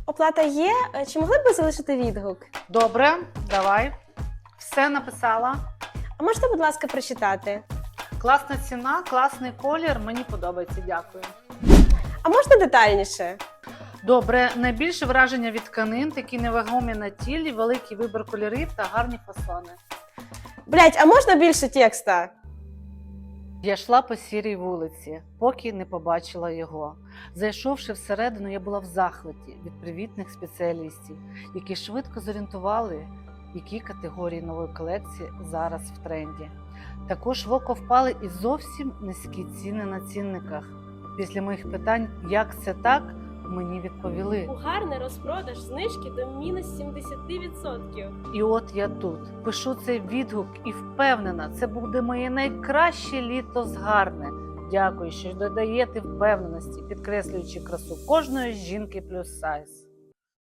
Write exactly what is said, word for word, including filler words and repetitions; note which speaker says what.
Speaker 1: Оплата є. Чи могли б ви залишити відгук?
Speaker 2: Добре, давай. Все написала.
Speaker 1: А можете, будь ласка, прочитати?
Speaker 2: Класна ціна, класний колір, мені подобається, дякую.
Speaker 1: А можна детальніше?
Speaker 2: Добре, найбільше враження від тканин, такі невагомі на тілі, великий вибір кольорів та гарні фасони.
Speaker 1: Блять, а можна більше текста?
Speaker 2: Я йшла по сірій вулиці, поки не побачила його. Зайшовши всередину, я була в захваті від привітних спеціалістів, які швидко зорієнтували, які категорії нової колекції зараз в тренді. Також в око впали і зовсім низькі ціни на цінниках. Після моїх питань, як це так, мені відповіли.
Speaker 1: У гарний розпродаж знижки до мінус сімдесят відсотків.
Speaker 2: І от я тут, пишу цей відгук і впевнена, це буде моє найкраще літо з Гарне. Дякую, що додаєте впевненості, підкреслюючи красу кожної жінки плюс сайз.